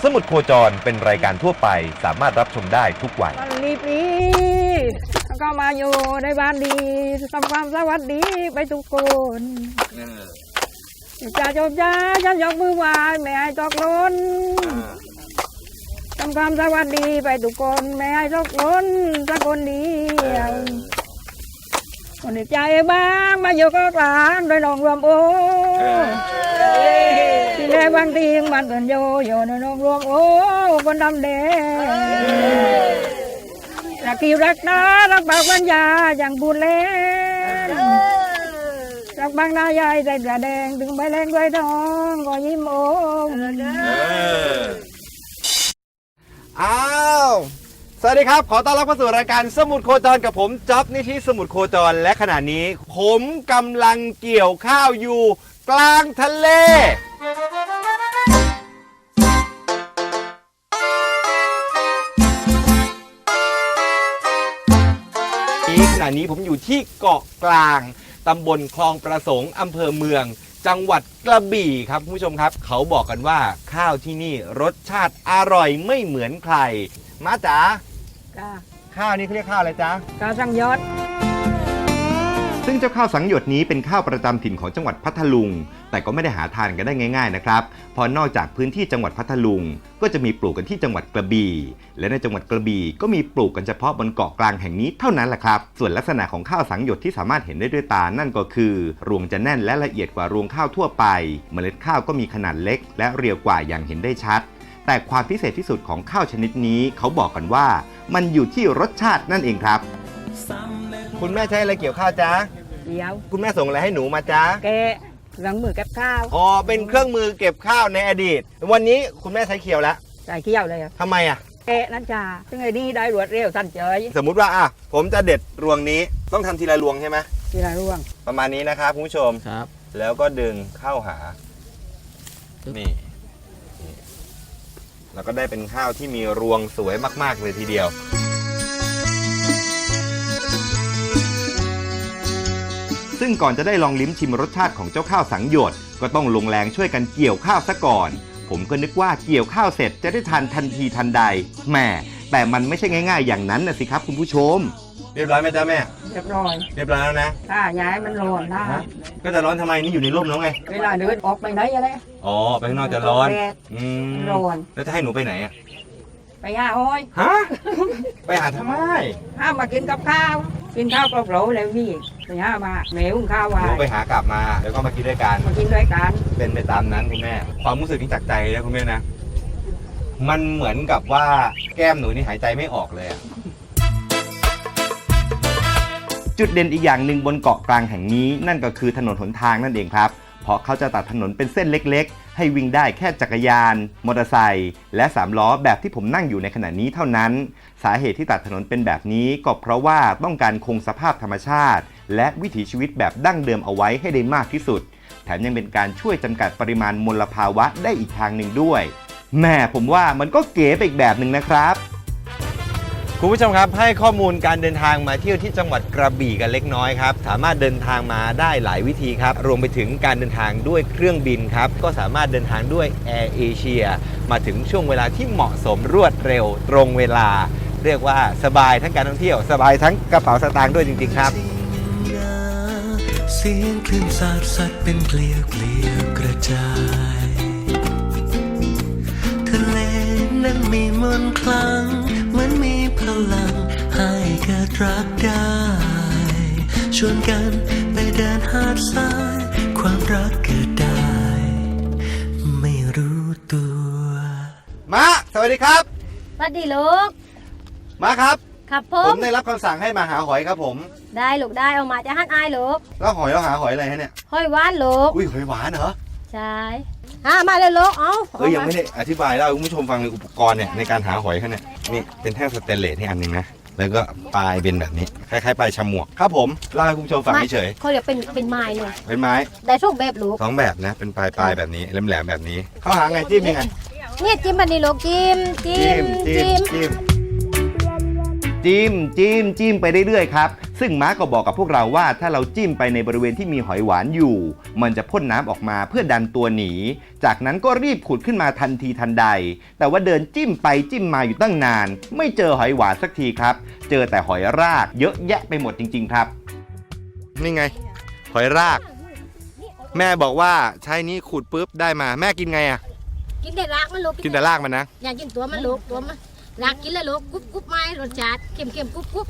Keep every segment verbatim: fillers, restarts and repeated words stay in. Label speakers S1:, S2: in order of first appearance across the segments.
S1: สมุดโคจรเป็นรายการทั่วไปสามารถรับชมได้ทุกวัย
S2: รีบนี้ก็มาอยู่ในบ้านดีทำความสวัสดีไปทุกคนจ่าโจมจ้าฉันยกมือไหว้ไม่ให้ตกหล่นทำความสวัสดีไปทุกคนไม่ให้ตกหล่นสักคนเดียวคนใจบ้างมาอยู่ก็กลางโดยน้องรวมโอ้ที่แรกบางทีมันเป็นโยโย่โดยน้องรวมโอ้คนดำแดงรักที่รักนะรักบางปัญญาอย่างบุญเล่นรักบางนายายใจจะแดงถึงใบแรงด้วยทองก็ยิ้มโอ้
S1: อ้าวสวัสดีครับขอต้อนรับเข้าสู่รายการสมุดโคจรกับผมจ๊อบนิธิสมุดโคจรและขณะนี้ผมกำลังเกี่ยวข้าวอยู่กลางทะเลขณะนี้ผมอยู่ที่เกาะกลางตำบลคลองประสงค์อำเภอเมืองจังหวัดกระบี่ครับคุณผู้ชมครับเขาบอกกันว่าข้าวที่นี่รสชาติอร่อยไม่เหมือนใครมาจ๋าข้าวนี้เขาเรียกข้าวอะไรจ๊ะ
S2: ข้าวสังยศ
S1: ซึ่งเจ้าข้าวสังหยดนี้เป็นข้าวประจำถิ่นของจังหวัดพัทลุงแต่ก็ไม่ได้หาทานกันได้ง่ายๆนะครับเพราะนอกจากพื้นที่จังหวัดพัทลุงก็จะมีปลูกกันที่จังหวัดกระบี่และในจังหวัดกระบี่ก็มีปลูกกันเฉพาะบนเกาะกลางแห่งนี้เท่านั้นแหละครับส่วนลักษณะของข้าวสังหยดที่สามารถเห็นได้ด้วยตานั่นก็คือรวงจะแน่นและละเอียดกว่ารวงข้าวทั่วไปเมล็ดข้าวก็มีขนาดเล็กและเรียวกว่าอย่างเห็นได้ชัดแต่ความพิเศษที่สุดของข้าวชนิดนี้เขาบอกกันว่ามันอยู่ที่รสชาตินั่นเองครับคุณแม่ใช้อะไรเกี่ยวข้าวจ๊ะ
S2: เดี๋ยว
S1: คุณแม่ส่งอะไรให้หนูมาจ๊ะ
S2: แกเครื่องมือเก็บข้าว
S1: อ๋อเป็นเครื่องมือเก็บข้าวในอดีตวันนี้คุณแม่ใช้เขียวแล้ว
S2: ใช้เขียวเลย
S1: ทำไมอ่ะ
S2: แกนั่นจ้าซึ่งไอ้นี่ได้รวดเร็วสั้นเฉย
S1: สมมุติว่าอ่ะผมจะเด็ดรวงนี้ต้องทำทีละรวงใช่ไหม
S2: ทีละรวง
S1: ประมาณนี้นะครับคุณผู้ชม
S3: ครับ
S1: แล้วก็ดึงเข้าหานี่แล้วก็ได้เป็นข้าวที่มีรวงสวยมากๆเลยทีเดียวซึ่งก่อนจะได้ลองลิ้มชิมรสชาติของเจ้าข้าวสังหยดก็ต้องลงแรงช่วยกันเกี่ยวข้าวซะก่อนผมก็นึกว่าเกี่ยวข้าวเสร็จจะได้ทานทันทีทันใดแหมแต่มันไม่ใช่ง่ายๆอย่างนั้นนะสิครับคุณผู้ชมเรียบร้อยไหมจ๊ะแม่
S2: เรียบร้อย
S1: เรียบร้อยแล้วนะ
S2: ถ้าย้ายมันร้อนนะ
S1: ก็จะร้อนทำไมนี่อยู่ในร่มแล้วไง
S2: เวลาเดินออกไปไหนอะไร
S1: อ๋อไปข้างนอกจะร้อน
S2: อืมร้อน
S1: แล้วจะให้หนูไปไหนอ่ะ
S2: ไปหาหอย
S1: ฮะไปหาทำไม
S2: ห้ามมากินกับข้าวกินข้าวเปล่าๆแล้วนี่ไปหามาแม่หุงข้าวไว้
S1: ไปหากลับมาแล้วก็มากินด้วยกัน
S2: มากินด้วยกัน
S1: เป็นไปตามนั้นคุณแม่ความรู้สึกที่จากใจนะคุณแม่นะมันเหมือนกับว่าแก้มหนูนี่หายใจไม่ออกเลยจุดเด่นอีกอย่างหนึ่งบนเกาะกลางแห่งนี้นั่นก็คือถนนหนทางนั่นเองครับเพราะเขาจะตัดถนนเป็นเส้นเล็กๆให้วิ่งได้แค่จักรยานมอเตอร์ไซค์และสามล้อแบบที่ผมนั่งอยู่ในขณะนี้เท่านั้นสาเหตุที่ตัดถนนเป็นแบบนี้ก็เพราะว่าต้องการคงสภาพธรรมชาติและวิถีชีวิตแบบดั้งเดิมเอาไว้ให้ได้มากที่สุดแถมยังเป็นการช่วยจำกัดปริมาณมลภาวะได้อีกทางหนึ่งด้วยแม่ผมว่ามันก็เก๋ไปอีกแบบหนึ่งนะครับคุณผู้ชมครับให้ข้อมูลการเดินทางมาเที่ยวที่จังหวัดกระบี่กันเล็กน้อยครับสามารถเดินทางมาได้หลายวิธีครับรวมไปถึงการเดินทางด้วยเครื่องบินครับก็สามารถเดินทางด้วยแอร์เอเชียมาถึงช่วงเวลาที่เหมาะสมรวดเร็วตรงเวลาเรียกว่าสบายทั้งการท่องเที่ยวสบายทั้งกระเป๋าสตางค์ด้วยจริงๆครับ
S4: เสียงคลื่นสาดสัดเป็นเกลียวเกลียวกระจายทะเลนั้นมีมนต์คลังเหมือนมีพลังให้เกิดรักได้ชวนกันไปเดินหาดทรายความรักเกิดได้ไม่รู้ตัว
S1: มาสวัสดีครับ
S5: สวัสดีลูก
S1: มาครับ
S5: ครับผ
S1: มผมได้รับคำสั่งให้มาหาหอยครับผม
S5: ได้ลูกได้เอามาจะหั่นอายลูก
S1: แล้วหอยเราหาหอยอะไรฮะเนี่ย
S5: หอยหวานลูก
S1: อุ้ยหอยหวานเหรอ
S5: ใช่หามาเลยลูกเอา
S1: เอ้ยยังไม่ได้อธิบายเล่าให้คุณผู้ชมฟังเลยอุปกรณ์เนี่ยในการหาหอยเขาเนี่ยนี่เป็นแท่งสเตนเลสนี่อันหนึ่งนะแล้วก็ปลายเป็นแบบนี้คล้ายๆปลายฉมวกครับผมเล่าให้คุณผู้ชมฟังเฉย
S5: เขาเรียกเป็นเป็นไม้หน่อย
S1: เป็นไม้
S5: ได้ทุกแบบลูก
S1: สองแบบนะเป็นปลายปลายแบบนี้แหลมๆแบบนี้เขาหาไงจิ้มยังไง
S5: เนี่ยจิ้มแบบนี้ลูกจิ้มจิ้ม
S1: จิ้มจิ้มจิ้มจิ้มจิ้มไปเรื่อยๆครับซึ่งม้าก็บอกกับพวกเราว่าถ้าเราจิ้มไปในบริเวณที่มีหอยหวานอยู่มันจะพ่นน้ำออกมาเพื่อดันตัวหนีจากนั้นก็รีบขุดขึ้นมาทันทีทันใดแต่ว่าเดินจิ้มไปจิ้มมาอยู่ตั้งนานไม่เจอหอยหวานสักทีครับเจอแต่หอยรากเยอะแยะไปหมดจริงๆครับนี่ไงหอยรากแม่บอกว่าใช้นี้ขุดปุ๊บได้มาแม่กินไงอะ
S5: กินแต่รากมันลูก
S1: กินแต่รากมันนะ
S5: อย่ากินตัวมันลูกตัวมันรากกินแล้วลูกกุ๊บกุ๊บไม้รสชาติเค็มเค็มกุ๊บกุ๊บ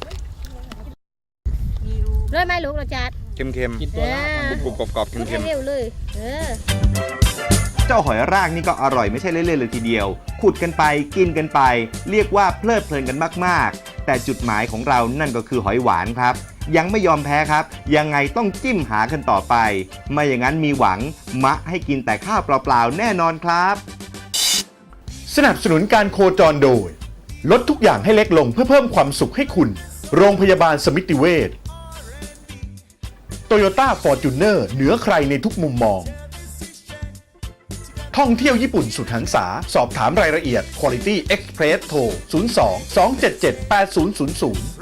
S5: เลยไหมลูกรสชาติ
S1: เค็มเค็มกรุบกรุบกรอบเค็มเค็ม
S5: เร็วเลยเออ
S1: เจ้าหอยรากนี่ก็อร่อยไม่ใช่เล่นๆเลยทีเดียวขุดกันไปกินกันไปเรียกว่าเพลิดเพลินกันมากๆแต่จุดหมายของเรานั่นก็คือหอยหวานครับยังไม่ยอมแพ้ครับยังไงต้องจิ้มหากันต่อไปไม่อย่างนั้นมีหวังมะให้กินแต่ข้าวเปล่าๆแน่นอนครับ
S3: สนับสนุนการโคจรโดยลดทุกอย่างให้เล็กลงเพื่อเพิ่มความสุขให้คุณโรงพยาบาลสมิติเวชโตโยต้าฟอร์จูเนอร์เหนือใครในทุกมุมมองท่องเที่ยวญี่ปุ่นสุดหันษาสอบถามรายละเอียด Quality Express โทร ศูนย์ สอง สอง เจ็ด เจ็ด แปด ศูนย์ ศูนย์ ศูนย์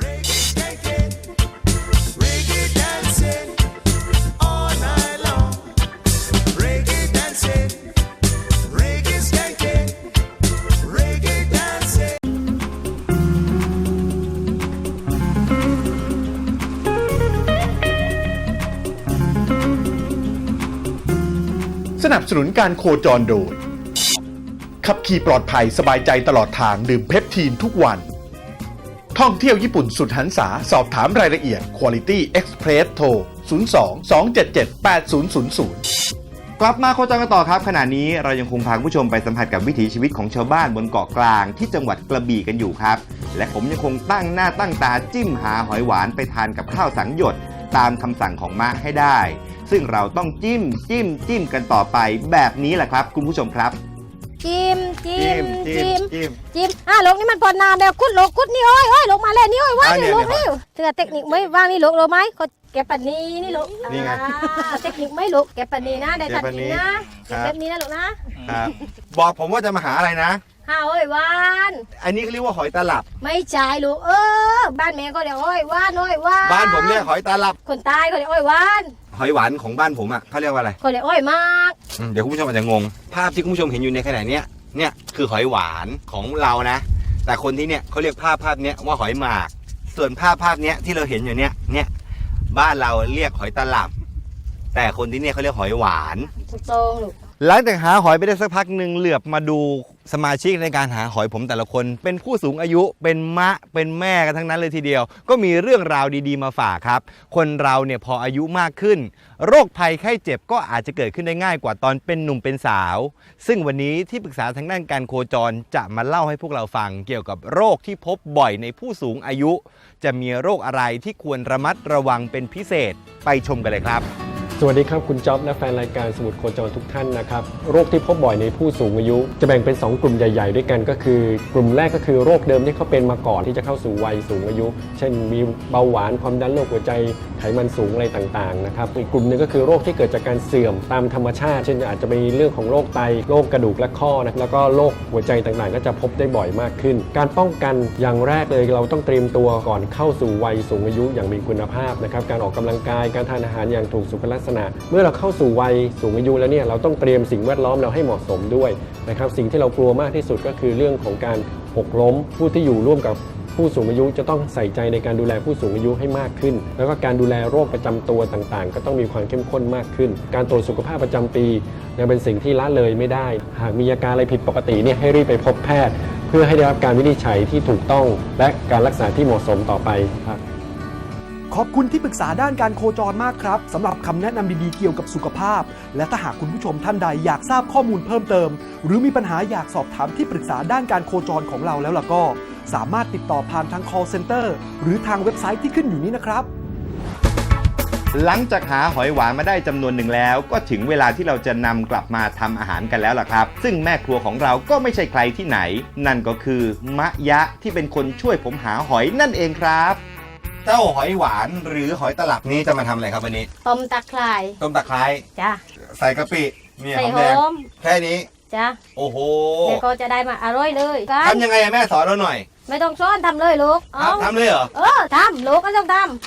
S3: สนับสนุนการโคจรโดยขับขี่ปลอดภัยสบายใจตลอดทางดื่มเพปทีนทุกวันท่องเที่ยวญี่ปุ่นสุดหันษาสอบถามรายละเอียด Quality Express โทร ศูนย์ สอง สอง เจ็ด เจ็ด แปด ศูนย์ ศูนย์ ศูนย์
S1: กลับมาโคจรกันต่อครับขณะนี้เรายังคงพาคุณผู้ชมไปสัมผัสกับวิถีชีวิตของชาวบ้านบนเกาะกลางที่จังหวัดกระบี่กันอยู่ครับและผมยังคงตั้งหน้าตั้งตาจิ้มหาหอยหวานไปทานกับข้าวสังหยดตามคำสั่งของมะให้ได้ซึ่งเราต้องจิ้มจิ้มจิ้มกันต่อไปแบบนี้แหละครับคุณผู้ชมครับ
S5: จิ้มจิ้มจิ้มจิ้มจิ้มอ่ะลูกนี่มันพอนาแบบคุดลูกคุดนี่โอ้ยโอ้ยลูกมาเลยนี่โอ้ยว่างนี่ลูกนี่เธอเทคนิคไม่ว่างนี่ลูกรู้ไหมเขาแกะปันนี้นี่ลูกนี่ไงเทคนิคไม่ลูกแกะปันนี้นะได้ทันทีนะแกะแบบนี้นะลูกนะครับ
S1: บอกผมว่าจะมาหาอะไรนะ
S5: หาหอยหวาน
S1: อันนี้เขาเรียกว่าหอยตลับ
S5: ไม่ใช่ลูกเออบ้านแม่ก็เรียกหอยหวานหอยหวาน
S1: บ้านผมเรียกหอยตลับ
S5: คนตายเขาเรียกหอยหวาน
S1: หอยหวานของบ้านผมอ่ะเขาเรียกว่าอะไร
S5: เขาเรียกหอยมาก
S1: เดี๋ยวคุณผู้ชมอาจจะงงภาพที่คุณผู้ชมเห็นอยู่ในขณะนี้เนี่ยคือหอยหวานของเรานะแต่คนที่เนี่ยเขาเรียกภาพภาพนี้ว่าหอยหมากส่วนภาพภาพนี้ที่เราเห็นอยู่เนี่ยเนี่ยบ้านเราเรียกหอยตลับแต่คนที่เนี่ยเขาเรียกหอยหวาน
S5: ถูกต้องลูก
S1: หลังจากหาหอยไปได้สักพักหนึ่งเหลือบมาดูสมาชิกในการหาหอยผมแต่ละคนเป็นผู้สูงอายุเป็นมะเป็นแม่กันทั้งนั้นเลยทีเดียวก็มีเรื่องราวดีๆมาฝากครับคนเราเนี่ยพออายุมากขึ้นโรคภัยไข้เจ็บก็อาจจะเกิดขึ้นได้ง่ายกว่าตอนเป็นหนุ่มเป็นสาวซึ่งวันนี้ที่ปรึกษาทางด้านการโคจรจะมาเล่าให้พวกเราฟังเกี่ยวกับโรคที่พบบ่อยในผู้สูงอายุจะมีโรคอะไรที่ควรระมัดระวังเป็นพิเศษไปชมกันเลยครับ
S6: สวัสดีครับคุณจ๊อบและแฟนรายการสมุดโคจรทุกท่านนะครับโรคที่พบบ่อยในผู้สูงอายุจะแบ่งเป็นสองกลุ่มใหญ่ๆด้วยกันก็คือกลุ่มแรกก็คือโรคเดิมที่เขาเป็นมาก่อนที่จะเข้าสู่วัยสูงอายุเช่นมีเบาหวานความดันโรคหัวใจไขมันสูงอะไรต่างๆนะครับอีกกลุ่มหนึ่งก็คือโรคที่เกิดจากการเสื่อมตามธรรมชาติเช่นอาจจะมีเรื่องของโรคไตโรคกระดูกและข้อนะแล้วก็โรคหัวใจต่างๆก็จะพบได้บ่อยมากขึ้นการป้องกันอย่างแรกเลยเราต้องเตรียมตัวก่อนเข้าสู่วัยสูงอายุอย่างมีคุณภาพนะครับการออกกำลังกายการทานอาหารอย่างถูกสุขลักษณะเมื่อเราเข้าสู่วัยสูงอายุแล้วเนี่ยเราต้องเตรียมสิ่งแวดล้อมเราให้เหมาะสมด้วยนะครับสิ่งที่เรากลัวมากที่สุดก็คือเรื่องของการหกล้มผู้ที่อยู่ร่วมกับผู้สูงอายุจะต้องใส่ใจในการดูแลผู้สูงอายุให้มากขึ้นแล้วก็การดูแลโรคประจำตัวต่างๆก็ต้องมีความเข้มข้นมากขึ้นการตรวจสุขภาพประจำปียังเป็นสิ่งที่ละเลยไม่ได้หากมีอาการอะไรผิดปกติเนี่ยให้รีบไปพบแพทย์เพื่อให้ได้รับการวินิจฉัยที่ถูกต้องและการรักษาที่เหมาะสมต่อไปครับ
S7: ขอบคุณที่ปรึกษาด้านการโคจรมากครับสำหรับคำแนะนำดีๆเกี่ยวกับสุขภาพและถ้าหากคุณผู้ชมท่านใดอยากทราบข้อมูลเพิ่มเติมหรือมีปัญหาอยากสอบถามที่ปรึกษาด้านการโคจรของเราแล้วล่ะก็สามารถติดต่อผ่านทาง call center หรือทางเว็บไซต์ที่ขึ้นอยู่นี้นะครับ
S1: หลังจากหาหอยหวานมาได้จำนวนหนึ่งแล้วก็ถึงเวลาที่เราจะนำกลับมาทำอาหารกันแล้วล่ะครับซึ่งแม่ครัวของเราก็ไม่ใช่ใครที่ไหนนั่นก็คือมะยะที่เป็นคนช่วยผมหาหอยนั่นเองครับเจ้าหอยหวานหรือหอยตลับนี้จะมาทำอะไรครับวันนี้
S5: ต้มตะไคร้
S1: ต้มตะไคร้
S5: จ้ะ
S1: ใส่กะปิเนี่ย
S5: ใส่หอม
S1: แค่นี้
S5: จ้ะ
S1: โอ้โห
S5: เดี๋ยวก็จะได้มาอร่อยเลย
S1: ทำยังไงแม่สอนเราหน่อย
S5: ไม่ต้องซ้อนทำเลยลูก
S1: ทำเลยเหรอ
S5: เออทำลูกก็ต้องทำ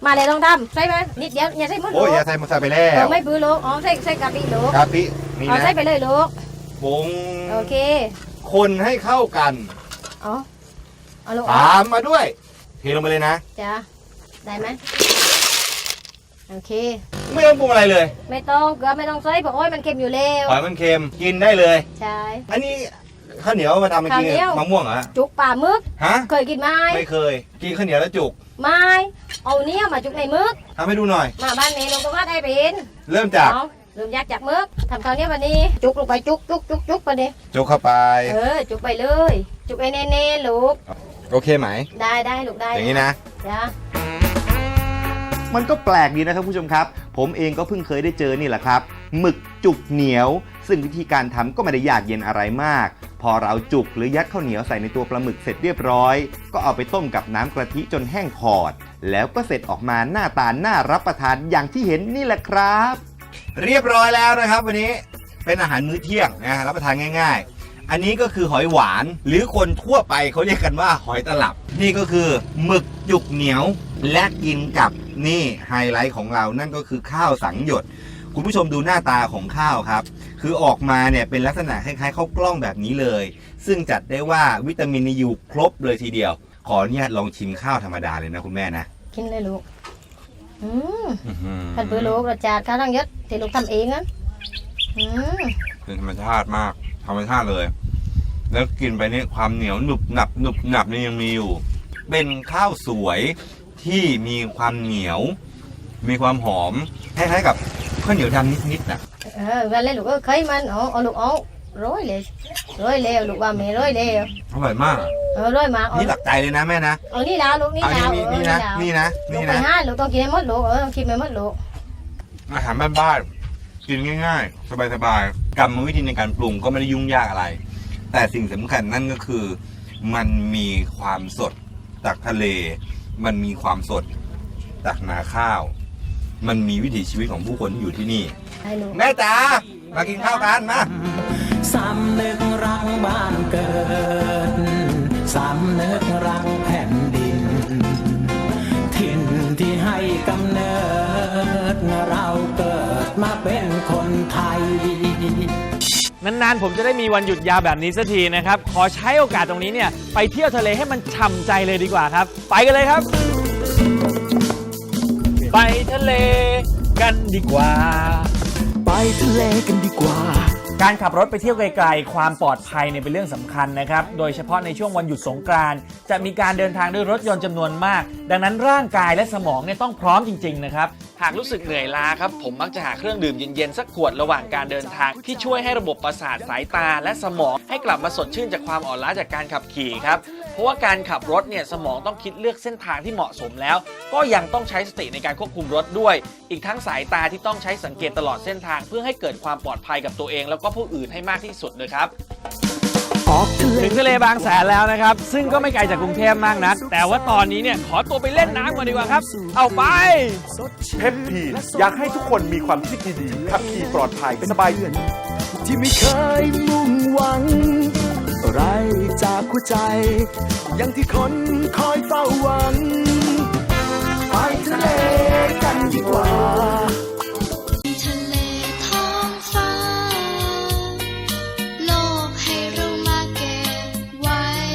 S5: มาเลยลองทำใช่ไหมนิดเดียวอย่าใส่หมดลู
S1: โอ้ย
S5: ก
S1: อย่าใส่มาใส่ไปแล้
S5: เออ
S1: ว
S5: ไม่ปื้อลูกอ๋อใส่ใส่กะปิลูก
S1: กะปินี่
S5: เอา
S1: นะ
S5: ใส่ไปเลยลูก
S1: ปง
S5: โอเค
S1: คนให้เข้ากัน
S5: เอาเอาลูก
S1: ตามมาด้วยเทลงไปเลยนะ
S5: จ้ะได้ไหมโอเค
S1: ไม่ต้องปรุงอะไรเลย
S5: ไม่ต้องเกลือไม่ต้องใส่เพราะโอ้ยมันเค็มอยู่แล้ว
S1: หอยมันเค็มกินได้เลย
S5: ใช่
S1: อันนี้ข้าวเหนียวมาทำมากิน
S5: ข้าวเหนียว
S1: มะม่วงเหรอฮะ
S5: จุกป่ามึก
S1: ฮะ
S5: เคยกินไหม
S1: ไม่เคย กินข้าวเหนียวแล้วจุก
S5: ไม่เอาเนี้ยมาจุกในมึก
S1: ทำให้ดูหน่อย
S5: มาบ้านเมย์ลงตรงว่าได้เป็น
S1: เริ่มจาก
S5: เอาเริ่มยากจากมึกทำคราวเนี้ยวันนี้ จุกลงไปจุกจุกจุกจุกไปดิ
S1: จุกเข้าไป
S5: เออจุกไปเลย จุกไอ้เน่ๆลูก
S1: โอเคไหม
S5: ได้ได้ลูกได้
S1: อย่างนี้นะ
S5: จ้ะ
S1: มันก็แปลกดีนะครับผู้ชมครับ ผมเองก็เพิ่งเคยได้เจอนี่แหละครับหมึกจุกเหนียว ซึ่งวิธีการทำก็ไม่ได้ยากเย็นอะไรมาก พอเราเอาจุกหรือยัดข้าวเหนียวใส่ในตัวปลาหมึกเสร็จเรียบร้อย ก็เอาไปต้มกับน้ำกะทิจนแห้งขอด แล้วก็เสร็จออกมาหน้าตาน่ารับประทานอย่างที่เห็นนี่แหละครับ เรียบร้อยแล้วนะครับ วันนี้เป็นอาหารมื้อเที่ยงนะรับประทานง่าย ๆ อันนี้ก็คือหอยหวานหรือคนทั่วไปเขาเรียกกันว่าหอยตลับ นี่ก็คือหมึกจุกเหนียวและกินกับนี่ไฮไลท์ของเรานั่นก็คือข้าวสังหยด คุณผู้ชมดูหน้าตาของข้าวครับ คือออกมาเนี่ยเป็นลักษณะคล้ายๆข้าวกล้องแบบนี้เลย ซึ่งจัดได้ว่าวิตามินอยู่ครบเลยทีเดียว ขออนุญาตลองชิมข้าวธรรมดาเลยนะคุณแม่นะ
S5: กินเลยลูกอืม
S1: อื้อหือ
S5: ท่านเพื่อลูกรสชาติข้าวตั้งยศที่ลูกทำเองนะอืม
S1: เป็นธรรมชาติมากธรรมชาติเลย แล้วกินไปเนี่ยความเหนียวหนุบหนับหนุบหนับนี่ยังมีอยู่ เป็นข้าวสวยที่มีความเหนียว มีความหอมคล้ายๆกับข้าวเหนียวดำนิดๆนะ
S5: เออวันเลยลูกก็เคยมันเอาเอาลูกเอาร้อยเลยร้อยเลยลูกว่าแม่ร้อยเลย
S1: อร่อยมาก
S5: เออร้อยมาเอา
S1: นี่หลักใจเลยนะแม่นะ
S5: เอานี่แล้วลูกนี่
S1: อัน
S5: แล้ว
S1: นี้นี่นะนี่นะ
S5: ลู
S1: นี่
S5: กไป
S1: นะ
S5: ห้าลูกต้องกินให้หมดลูกเออต้องกินไปหมดลูก
S1: อาหารบ้านๆกินง่ายๆ สบายๆกรรมวิธีในการปรุงก็ไม่ได้ยุ่งยากอะไร แต่สิ่งสำคัญนั่นก็คือมันมีความสดจากทะเล มันมีความสดจากนาข้าว มันมีวิถีชีวิตของผู้คนที่อยู่ที่นี่
S5: ให้ลูก
S1: แม่จ๋ามากินข้าวกันมา
S4: สำนึกรักบ้านเกิด สำนึกรักแผ่นดิน ถิ่นที่ให้กำเนิด เราเกิดมาเป็นคนไทย
S8: นานๆผมจะได้มีวันหยุดยาวแบบนี้สักทีนะครับ ขอใช้โอกาสตรงนี้เนี่ยไปเที่ยวทะเลให้มันฉ่ำใจเลยดีกว่าครับ ไปกันเลยครับ ไปทะเลกันดีกว่า
S7: ไปทะเลกันดีกว่า
S8: การขับรถไปเที่ยวไกลๆความปลอดภัยเนี่ยเป็นเรื่องสำคัญนะครับ โดยเฉพาะในช่วงวันหยุดสงกรานต์จะมีการเดินทางด้วยรถยนต์จำนวนมาก ดังนั้นร่างกายและสมองเนี่ยต้องพร้อมจริงๆนะครับ หากรู้สึกเหนื่อยล้าครับผมมักจะหาเครื่องดื่มเย็นๆสักขวดระหว่างการเดินทางที่ช่วยให้ระบบประสาทสายตาและสมองให้กลับมาสดชื่นจากความอ่อนล้าจากการขับขี่ครับ เพราะว่าการขับรถเนี่ยสมองต้องคิดเลือกเส้นทางที่เหมาะสมแล้ว ก็ยังต้องใช้สติในการควบคุมรถด้วย อีกทั้งสายตาที่ต้องใช้สังเกตตลอดเส้นทางเพื่อให้เกิดความปลอดภัยกับตัวเองแล้วก็ผู้อื่นให้มากที่สุดเลยครับ ถึงทะเลบางแสนแล้วนะครับ ซึ่งก็ไม่ไกลจากกรุงเทพมากนัก แต่ว่าตอนนี้เนี่ยขอตัวไปเล่นน้ำก่อนดีกว่าครับ เอาไป
S3: เพปทีนอยากให้ทุกคนมีความคิดดีๆขับขี่ปลอดภัยสบาย
S7: ที่ไม่เคยมุ่งหวังอะไรจากหัวใจ อย่างที่คนคอยเฝ้าหวัง ไปทะเลกันดีกว่า
S9: ทะเลท้องฟ้า โลกให้เรามาเก็บไว้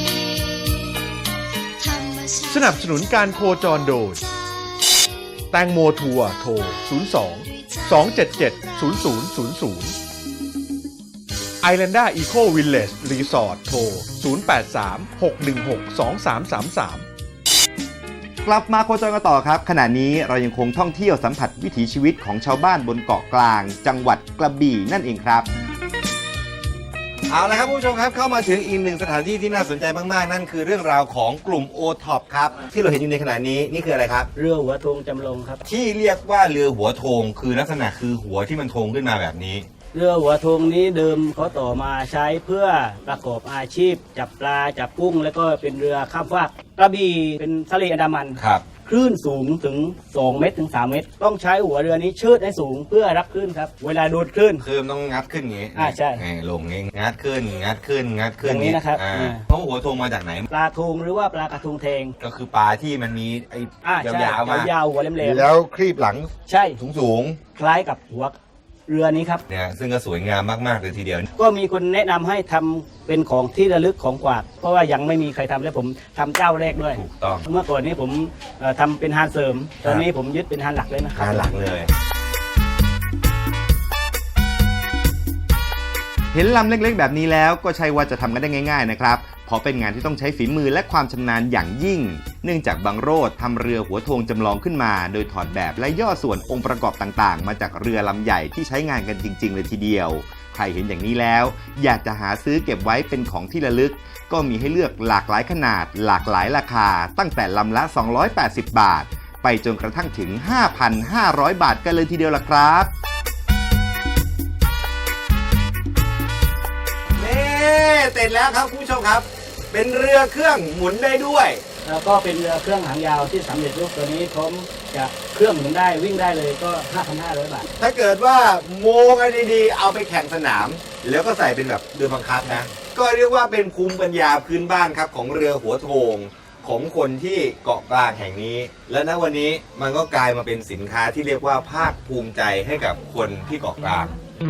S9: ธรรมชาติ
S3: สนับสนุนการโคจรโดย แตงโมทัวร์โทร ศูนย์ สอง สอง เจ็ด เจ็ด ศูนย์ ศูนย์ ศูนย์ ศูนย์ ไอแลนด้าอีโควิลเลจรีสอร์ทโทร ศูนย์ แปด สาม หก หนึ่ง หก สอง สาม สาม สาม กลับมาโคจรกันต่อครับ ขณะนี้เรายังคงท่องเที่ยวสัมผัสวิถีชีวิตของชาวบ้านบนเกาะกลาง จังหวัดกระบี่นั่นเองครับ เอาละครับผู้ชมครับเข้ามาถึงอีกหนึ่งสถานที่ที่น่าสนใจมากๆ นั่นคือเรื่องราวของกลุ่ม โอ ท็อป ครับที่เราเห็นอยู่ในขณะนี้นี่คืออะไรครับ
S10: เรือหัวธงจำลองครับ
S1: ที่เรียกว่าเรือหัวโทงคือลักษณะคือหัวที่มันโทงขึ้นมาแบบนี้
S10: เรือหัวธงนี้เดิมเขาต่อมาใช้เพื่อประกอบอาชีพ จับปลาจับกุ้ง แล้วก็เป็นเรือข้ามฟากกระบี่เป็นทะเลอันดามัน
S1: ครับ
S10: คลื่นสูงถึงสองเมตรถึงสามเมตร ต้องใช้หัวเรือนี้เชิดให้สูงเพื่อรับคลื่นครับเวลาดูดคลื่น
S1: คือมันต้องงัดขึ้นอย่างงี้
S10: อ่าใช่
S1: นี่ลงงี้งัดขึ้นงัดขึ้นงัดขึ้น
S10: อย่างนี้นะครับ
S1: อ่า
S10: อ่า
S1: เพราะหัวธงมาจากไหน
S10: ปลาทูงหรือว่าปลากระทุงเทง
S1: ก็คือปลาที่มันมีไอ้
S10: อ่าใช่
S1: ยาวๆมาย
S10: าวๆหัวแหลม
S1: แล้วครีบหลัง
S10: ๆใช่
S1: สูง
S10: คล้ายกับหัวเรือนี้ครับ
S1: ๆเนี่ยซึ่งก็สวยงามมากๆเลยทีเดียว
S10: ก็มีคนแนะนำให้ทำเป็นของที่ระลึกของกวาด เพราะว่ายังไม่มีใครทำและผมทำเจ้าแรกด้วย
S1: ถูกต้อง
S10: เมื่อก่อนนี้ผมเอ่อทำเป็นฮานเสริม ตอนนี้ผมยึดเป็นฮานหลักเลยนะครับ
S1: งานหลักเลย เห็นลำเล็กๆแบบนี้แล้วก็ใช่ว่าจะทำกันได้ง่ายๆนะครับเพราะเป็นงานที่ต้องใช้ฝีมือและความชำนาญอย่างยิ่ง เนื่องจากบังโรดทำเรือหัวโทงจำลองขึ้นมา โดยถอดแบบและย่อส่วนองค์ประกอบต่างๆ มาจากเรือลำใหญ่ที่ใช้งานกันจริงๆเลยทีเดียว ใครเห็นอย่างนี้แล้วอยากจะหาซื้อเก็บไว้เป็นของที่ระลึก ก็มีให้เลือกหลากหลายขนาด หลากหลายราคา ตั้งแต่ลำละสองร้อยแปดสิบบาท ไปจนกระทั่งถึง ห้าพันห้าร้อย บาทกันเลยทีเดียวล่ะครับเสร็จแล้วครับคุณผู้ชมครับ เป็นเรือเครื่องหมุนได้ด้วย
S10: แล้วก็เป็นเรือเครื่องหางยาวที่สำเร็จรูปตัวนี้พร้อมจะเครื่องหมุนได้วิ่งได้เลยก็ ห้าพันห้าร้อย บาท
S1: ถ้าเกิดว่าโมกันดีๆเอาไปแข่งสนาม แล้วก็ใส่เป็นแบบเรือบังคับนะ ก็เรียกว่าเป็นภูมิปัญญาพื้นบ้านครับของเรือหัวโทงของคนที่เกาะกลางแห่งนี้ และณวันนี้มันก็กลายมาเป็นสินค้าที่เรียกว่าภาคภูมิใจให้กับคนที่เกาะกลาง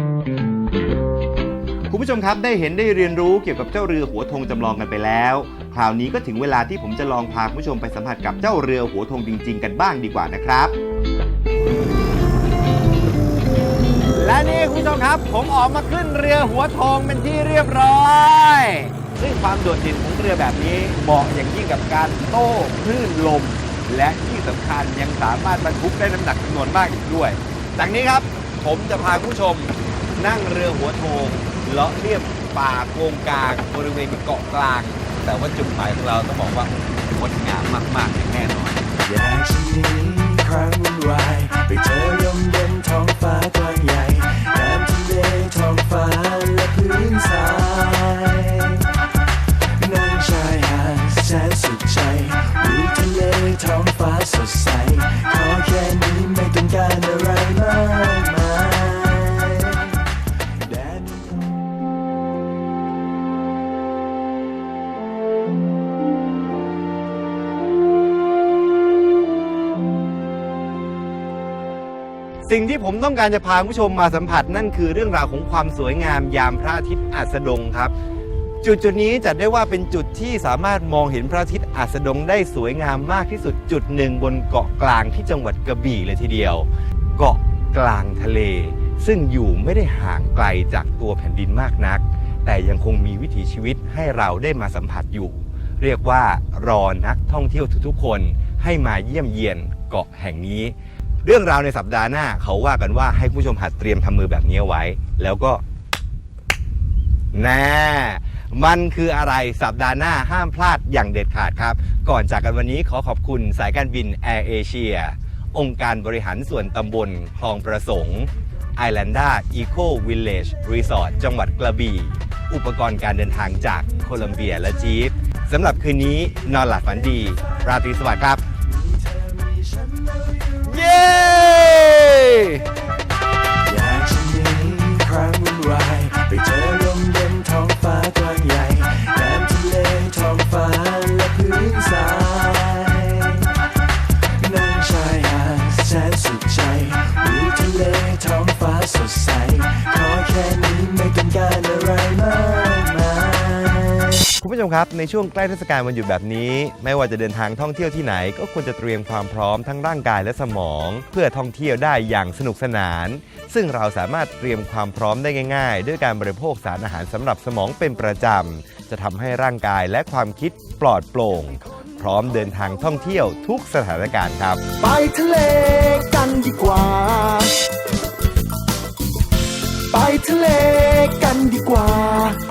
S1: คุณผู้ชมครับได้เห็นได้เรียนรู้เกี่ยวกับเจ้าเรือหัวธงจำลองกันไปแล้วคราวนี้ก็ถึงเวลาที่ผมจะลองพาคุณผู้ชมไปสัมผัสกับเจ้าเรือหัวธงจริงๆกันบ้างดีกว่านะครับ และนี่คุณผู้ชมครับผมออกมาขึ้นเรือหัวธงเป็นที่เรียบร้อยซึ่งความโดดเด่นของเรือแบบนี้เหมาะอย่างยิ่งกับการโต้คลื่นลมและที่สำคัญยังสามารถบรรทุกได้น้ำหนักจำนวนมากอีกด้วยจากนี้ครับผมจะพาคุณผู้ชมนั่งเรือหัวโทงเลาะเลียบป่าโกงกลางบริเวณเกาะกลางแต่ว่าจุดหมายของเราต้องบอกว่างดงามมากๆแน่นอน
S4: อยากจะหนีครั้งวุ่นวายไปเจอลมเย็นท้องฟ้ากว้างใหญ่น้ำทะเลท้องฟ้าและพื้นทรายนั่งชายหาดแสนสุขใจวิวทะเลท้องฟ้าสดใสขอแค่นี้ไม่ต้องการอะไรมากมายแดน
S1: สิ่งที่ผมต้องการจะพาคุณผู้ชมมาสัมผัสนั่นคือเรื่องราวของความสวยงามยามพระอาทิตย์อัสดงครับจุดจุดนี้จัดได้ว่าเป็นจุดที่สามารถมองเห็นพระอาทิตย์อัสดงได้สวยงามมากที่สุดจุดหนึ่งบนเกาะกลางที่จังหวัดกระบี่เลยทีเดียวเกาะกลางทะเลซึ่งอยู่ไม่ได้ห่างไกลจากตัวแผ่นดินมากนักแต่ยังคงมีวิถีชีวิตให้เราได้มาสัมผัสอยู่เรียกว่ารอนักท่องเที่ยวทุกๆคนให้มาเยี่ยมเยียนเกาะแห่งนี้เรื่องราวในสัปดาห์หน้าเขาว่ากันว่าให้ผู้ชมหัดเตรียมทำมือแบบนี้เอาไว้แล้วก็แน่มันคืออะไรสัปดาห์หน้าห้ามพลาดอย่างเด็ดขาดครับก่อนจากกันวันนี้ขอขอบคุณสายการบินแอร์เอเชียองค์การบริหารส่วนตำบลคลองประสงค์ไอแลนด้าอีโควิลเลจรีสอร์ทจังหวัดกระบี่อุปกรณ์การเดินทางจากโคลัมเบียและจีฟสำหรับคืนนี้นอนหลับฝันดีราตรีสวัสดิ์ครับเย้
S4: อยากจะหนีครั้งวุ่นวายไปเจอลมเย็นท้องฟ้ากว้างใหญ่น้ำทะเลท้องฟ้าและพื้นทรายนั่งชายหาดแสนสุขใจวิวทะเลท้องฟ้าสดใสขอแค่นี้ไม่ต้องการอะไรมากมาย
S1: คุณผู้ชมครับในช่วงใกล้เทศกาลวันหยุดแบบนี้ไม่ว่าจะเดินทางท่องเที่ยวที่ไหนก็ควรจะเตรียมความพร้อมทั้งร่างกายและสมองเพื่อท่องเที่ยวได้อย่างสนุกสนานซึ่งเราสามารถเตรียมความพร้อมได้ง่ายๆด้วยการบริโภคสารอาหารสำหรับสมองเป็นประจำจะทำให้ร่างกายและความคิดปลอดโปร่งพร้อมเดินทางท่องเที่ยวทุกสถานการณ์ครับ
S4: ไปทะเลกันดีกว่าไปทะเลกันดีกว่า